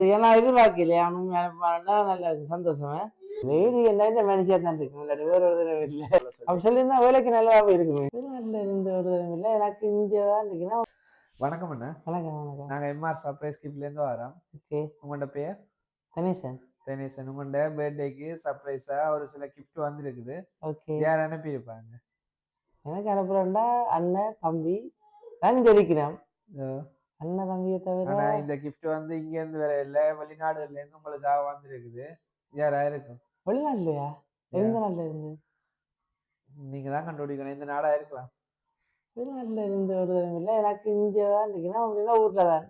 ஏன்னா எதிர்பார்க்கலையே அவனும் நல்ல சந்தோஷம். லேடி என்ன மனுஷியா தான் இருக்கு, வேற ஒரு தடவை இல்லை. அப்படி சொல்லியிருந்தா வேலைக்கு நல்லாவே இருக்குமே. வெளிநாட்டுல இருந்து ஒரு தடவை இல்லை, எனக்கு இந்தியா தான் இருக்குன்னா. வணக்கம் அண்ணா. வணக்கம் வணக்கம். நாங்க எம்ஆர் சர்ப்ரைஸ் கிஃப்ட்லேருந்து வரோம். ஓகே. உங்களோட பேர்? தனேசன். தனேசன். உங்களோட பர்த்டேக்கு சர்ப்ரைஸா ஒரு சில கிஃப்ட் வந்துருக்குது. ஓகே. யார் அனுப்பியிருப்பாங்க? எனக்கு அனுப்புறேன்டா அண்ணன் தம்பி தான் தெரிக்கிறேன். அண்ணன் தம்பியை தவிர இந்த கிஃப்ட் வந்து இங்க இருந்து வேற இல்ல, வெளிநாடுல இருந்து உங்களுக்காக வந்திருக்குது. யாரா இருக்கும்? வெளிநாட்டுலயா? எந்த நாட்டுல இருந்து? நீங்க தான் கண்டுபிடிக்கணும், இந்த நாடா இருக்கலாம். வெளிநாட்டுல இருந்து ஒரு தடவை இல்லை, எனக்கு இந்தியா தான் இருக்குன்னா அப்படின்னா ஊர்ல தான்.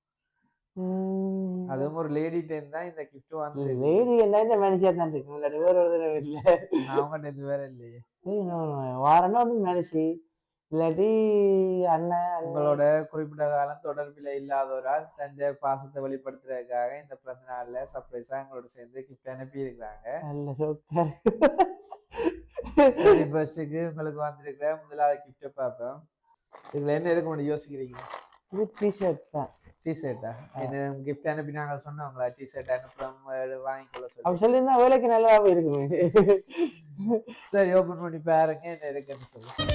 அதுவும் ஒரு லேடி டைம் தான் இந்த கிஃப்ட் வந்து. லேடி என்ன மனுஷியா தான் இருக்கு, வேற ஒரு தடவை இல்லை. அவங்ககிட்ட இது வேற இல்லையே. வாரன்னா ஒன்று மனுஷி இல்லாட்டி அண்ணன். உங்களோட குறிப்பிட்ட காலம் தொடர்பில் இல்லாதவரால் தஞ்சை பாசத்தை வெளிப்படுத்துறதுக்காக இந்த பிறந்த நாள்ல சர்ப்ரைஸா எங்களோட சேர்ந்து கிஃப்ட் அனுப்பி இருக்கிறாங்க. நல்ல சோக்கா. ஃபர்ஸ்ட்டுக்கு உங்களுக்கு வந்திருக்கிற முதலாவது கிஃப்ட்டை பார்ப்போம். இதுல என்ன இருக்க முடியும் யோசிக்கிறீங்க? இது டிஷர்ட் தான். டிஷர்ட்டா? என்ன கிஃப்ட் அனுப்பி நாங்கள் சொன்னோங்களா டிஷர்ட் அனுப்புறோம் வாங்கிக்கொள்ள சொல்லி? அப்படி சொல்லியிருந்தா வேலைக்கு நல்லாவே இருக்குமே. சரி, ஓப்பன் பண்ணி பாருங்க என்ன இருக்குன்னு சொல்லு.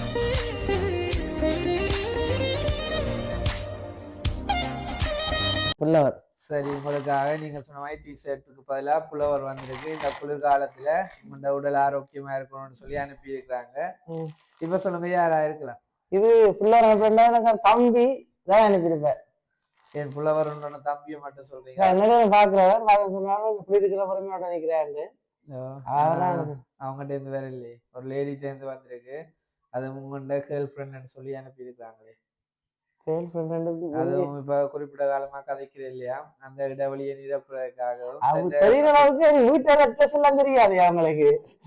புல்லவர். சரி, உங்களுக்காக நீங்க சொன்ன மாதிரி டிஷர்ட்டுக்கு பதிலாக புலவர் வந்திருக்கு. இந்த குளிர்காலத்துல இந்த உடல் ஆரோக்கியமா இருக்கணும்னு சொல்லி அனுப்பி இருக்கிறாங்க. இப்ப சொல்லுங்க, யாரா இருக்கலாம்? இது புல்லவர் அனுப்பினா எனக்கு தம்பி தான் அனுப்பியிருப்பேன். என் புலவர் தம்பியை மட்டும் சொல்றீங்க? என்னோட பாக்குறவர் சொன்னாலும் இப்படி இருக்கிற பொறுமையோட நினைக்கிறாரு. அவங்ககிட்ட இருந்து வேற இல்லையே, ஒரு லேடிட்ட இருந்து வந்திருக்கு. அது உங்கள்கிட்ட கேர்ள் ஃப்ரெண்ட்னு சொல்லி அனுப்பி இருக்கிறாங்களே. அதுவும் இப்ப குறிப்பிட்ட காலமா கதைக்கிற இல்லையா, அந்த இடைவெளியை நிரப்புறதுக்காகவும் தெரியாது அவங்களுக்கு.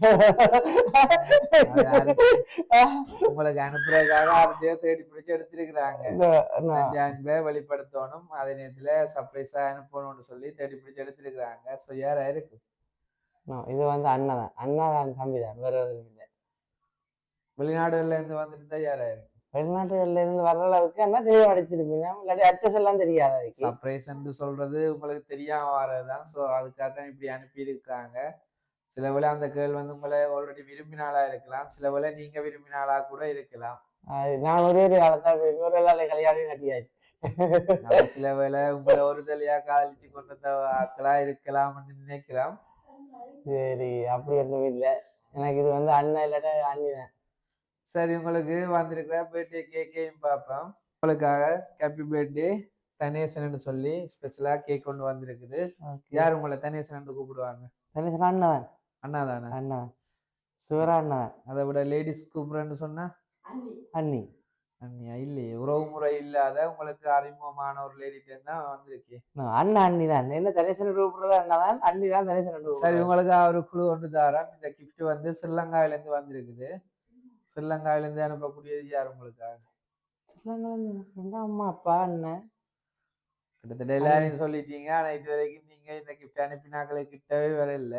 உங்களுக்கு அனுப்புறதுக்காக அதையே தேடி பிடிச்சு எடுத்திருக்கிறாங்க. அன்பை வெளிப்படுத்தணும், அதே நேரத்துல சர்ப்ரைஸா அனுப்பணும்னு சொல்லி தேடி பிடிச்சு எடுத்திருக்கிறாங்க. ஸோ யாரா இருக்கு? இது வந்து அண்ணாதான் தம்பி தான், வேற எதுவும் இல்லை. வெளிநாடுகள்ல இருந்து வந்துருந்தா யாரா இருக்கு? வெளிநாட்டுகள்ல இருந்து வர்ற அளவுக்கு என்ன தெளிவா அடிச்சிருப்பீங்க, இல்லாட்டி அட்ரஸ் எல்லாம் தெரியாது. சர்ப்ரைஸ் சொல்றது உங்களுக்கு தெரியாம வர்றதுதான். ஸோ அதுக்காக தான் இப்படி அனுப்பி இருக்காங்க. சில வேளை அந்த கேள் வந்து உங்களை ஆல்ரெடி விரும்பினாலா இருக்கலாம், சில வேளை நீங்க விரும்பினாலா கூட இருக்கலாம். நான் ஒரே காலத்தான் கல்யாணம் கட்டியாச்சு. சில வேளை உங்களை ஒரு தலையா காதலிச்சு கொண்டு ஆக்களா இருக்கலாம்னு நினைக்கலாம். சரி, அப்படி ஒன்றும் இல்லை. எனக்கு இது வந்து அண்ணன் இல்லாட்ட அண்ணிதான். சரி, உங்களுக்கு வந்திருக்கிற பர்த்டே கேக்கையும் பார்ப்போம். உங்களுக்காக ஹாப்பி பர்த்டே தனேசன் சொல்லி ஸ்பெஷலா கேக் கொண்டு வந்திருக்குது. யார் உங்களை தனேசன் கூப்பிடுவாங்க? தனேசன் அண்ணாதான். அண்ணாதானே? அண்ணா சிவரா அண்ணா. அதை விட லேடிஸ் கூப்பிடுறேன்னு சொன்னா அண்ணி. அண்ணியா? இல்லையே, உறவு முறை இல்லாத உங்களுக்கு அறிமுகமான ஒரு லேடிட்ட தான் வந்திருக்கு. அண்ணா அண்ணி தான். என்ன தனேசன் கூப்பிடுறது அண்ணாதான், அண்ணி தான் தனேசன். சரி, உங்களுக்கு ஒரு குழு ஒன்று தாரம். இந்த கிஃப்ட் வந்து ஸ்ரீலங்காவில இருந்து வந்திருக்குது. ஸ்ரீலங்காவில இருந்து அனுப்பக்கூடியது யார் உங்களுக்காக? அம்மா அப்பா அண்ணன். கிட்டத்தட்ட எல்லாரையும் சொல்லிட்டீங்க. ஆனா இது வரைக்கும் நீங்க இந்த கிஃப்ட் அனுப்பினாக்களை கிட்டவே வர இல்லை.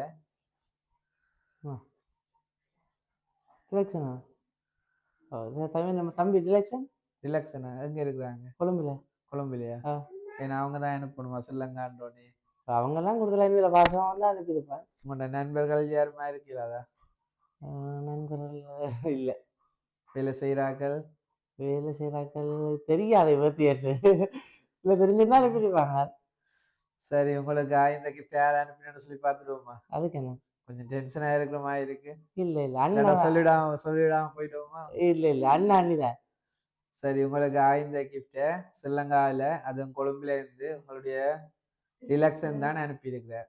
ரிலாக்ஸனா? நம்ம தம்பி ரிலாக்ஸனா எங்க இருக்கிறாங்க? கொழும்புலையா? ஏன்னா அவங்க தான் அனுப்பணுமா ஸ்ரீலங்கான்றோனே? அவங்க எல்லாம் கொடுத்துல பாசம் தான் அனுப்பியிருப்பேன். உங்களோட நண்பர்கள் யாருமா இருக்கிறாதா? நண்பர்கள் இல்ல. வேலை செய்யறாக்கள் தெரியாது. இல்ல தெரிஞ்சுதான் அனுப்பிடுவாங்க. சரி, உங்களுக்கு இந்த கிஃப்ட் யார் அனுப்பினு சொல்லி பார்த்துடுவோமா? அதுக்கு என்ன கொஞ்சம் டென்ஷனா இருக்கிற மாதிரி இருக்கு. இல்ல அண்ணா சொல்லிடாம போயிட்டோமா? இல்ல அண்ணா அண்ணிதான். சரி, உங்களுக்கு இந்த கிஃப்ட ஸ்ரீலங்காவில அதுவும் கொழும்புல இருந்து உங்களுடைய ரிலாக்ஸன் தான் அனுப்பி இருக்கிறார்.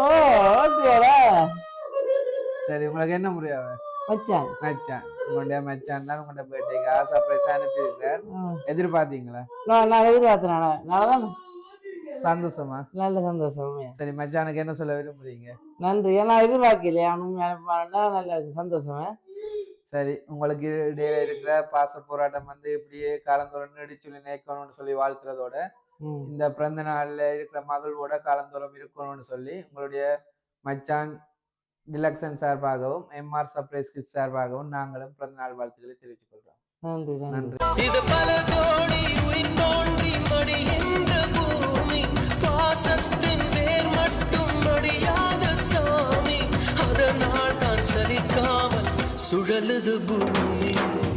சரி, உங்களுக்கு என்ன முறையாவ? மச்சான் உங்களுடைய மச்சான் தான் உங்களுடைய பர்த்டேக்கு சர்ப்ரைஸா அனுப்பி இருக்கார். எதிர்பார்த்தீங்களா? நான் எதிர்பார்த்தேன். சந்தோஷமா? நல்ல சந்தோஷம். சரி, மச்சானுக்கு என்ன சொல்ல விரும்புறீங்க? நன்றி. ஏன்னா எதிர்பார்க்கலையே, நல்ல சந்தோஷம். சரி, உங்களுக்கு இடையில இருக்கிற பாச போராட்டம் வந்து இப்படியே காலந்தோறும் நீடிச்சு நினைக்கணும்னு சொல்லி வாழ்த்துறதோட, இந்த பிறந்த நாள்ல இருக்கிற மகிழ்வோட காலந்தோறும் இருக்கணும்னு சொல்லி உங்களுடைய மச்சான் டிலக்ஷன் சார்பாகவும் எம்ஆர் சர்ப்ரைஸ் கிஃப்ட் சார்பாகவும் நாங்களும் பிறந்த நாள் வாழ்த்துக்களை தெரிவித்துக் கொள்கிறோம். நன்றி. பாசத்தின் வேர் மட்டும் அடியாத சாமி, அதனால் தான் சலிக்காமல் சுழலுது பூமி.